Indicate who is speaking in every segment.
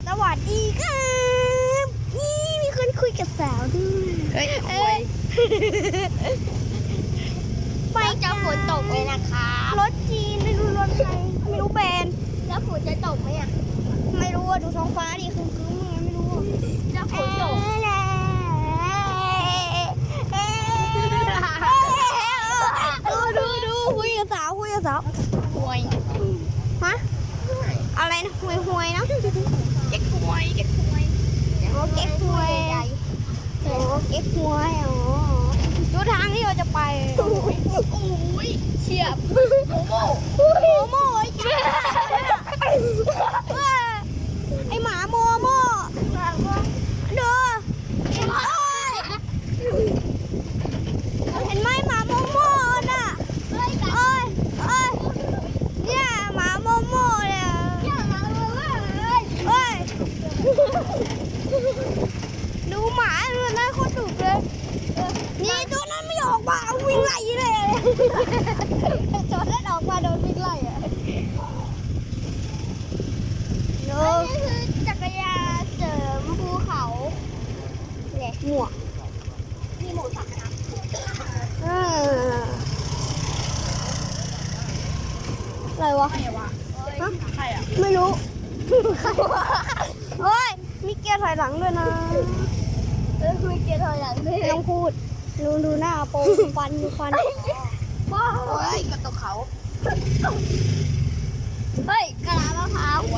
Speaker 1: สวัสดีครับนี่มีคนคุยกับสาวด้วย
Speaker 2: เฮ้ยคุย
Speaker 1: ไปจะฝนตกเลยนะคะรถจีนไม่รู้รถใครไม่รู้แบรนด์แล้วฝนจะตกไหมอ่ะไม่รู้อ่ะดูท้องฟ้าดิคือไม่รู้จะฝนตกดูคุยกับสาว
Speaker 2: หวย
Speaker 1: ฮะอะไรนะหวยนะ
Speaker 2: เก๊กหวย
Speaker 1: โอ้เก๊กหวยโอ้เก๊กหวยอ๋อดูทางที่เราจะไป
Speaker 2: โอ้ยเฉียบ
Speaker 1: โมไอ้จ้าไอหมาโมดูเห็นไหมหมาโมน่ะเนี่ยหมาโมเนี่ยดูหมาเลยนะโคตรดุเลยนี่ตัวนั้นไม่ออกมาวิ่งไล่เลยจอดแล้วออกมาโดนวิ่งไล่อะนี่คือจักรยานเสริมภูเขาเนี่ยหมวกมีหมวกสักนะอะไรวะ
Speaker 2: ใครอ่ะ
Speaker 1: ไม่รู้เฮ้ยมีเกียร์ถอยหลังด้วยนะมีเกียร์ถอยหลังด้วยไม่ต้องพูดดูหน้าโปงฟันบ้า
Speaker 2: เฮ้ยกระตกเขา
Speaker 1: เฮ้ยกระลามะพร้าว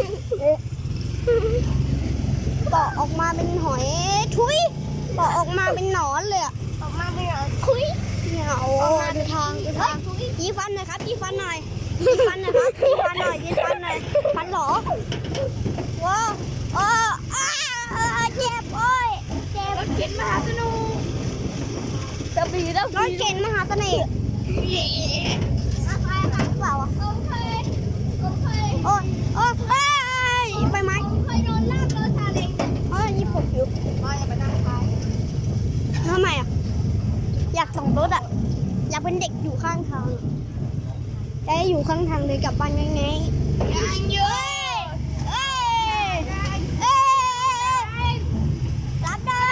Speaker 1: ปอกออกมาเป็นหอยทุยปอกออกมาเป็นหนอนเลยอะออกมาเป็นหนอนทุยเนี่ยโอ้ดูทางยีฟันหน่อยครับยีฟันหน่อยฟันหน่อยฟันหรอว้าวเจ็บโอ้ยเจ็บ
Speaker 2: รถเข็นมหาสนุก
Speaker 1: รถเข็นมหาเสน่ห์ใครเปล่าอ่ะโอ้ยไปไหมเคยโดนลากรถซาเล้งญี่ปุ่นอยู่
Speaker 2: ไม่ไปนั่งท้าย
Speaker 1: ทำไมอ่ะอยากส่งรถอ่ะอยากเป็นเด็กอยู่ข้างทางจะอยู่ข้างทางเลยกลับบ้านยังไง
Speaker 2: ยังเยอะ
Speaker 1: รับได้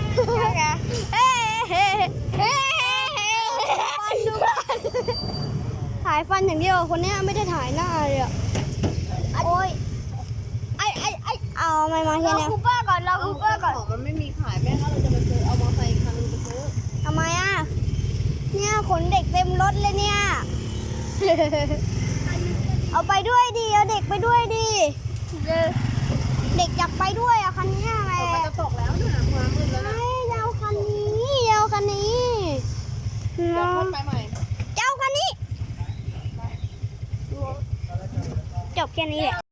Speaker 1: ถ่ายฟันอย่างเดียวคนนี้ไม่ได้ถ่ายหน้าเลยอ่ะโอ้ยเอาไม่มาเฮียเนี่ยเราคูเปอร์ก่อน
Speaker 2: ของมันไม่มีขายแม่ถ้าเราจะไปซื้อเอามอเตอร์ไซค์คันนึงไปซื้อ
Speaker 1: ทำไมอ่ะเนี่ยขนเด็กเต็มรถเลยเนี่ยเอาไปด้วยดิเอาเด็กไปด้วยดิเด็กอยากไปด้วยอ่ะคันนี้อะไร
Speaker 2: มันจะตกแล้วเนี่ยมามืดแล้วนะ
Speaker 1: ยาวคันนี้
Speaker 2: เดี๋ยวคนไปใหม่
Speaker 1: เจ้าคันนี้จบแค่นี้แหละ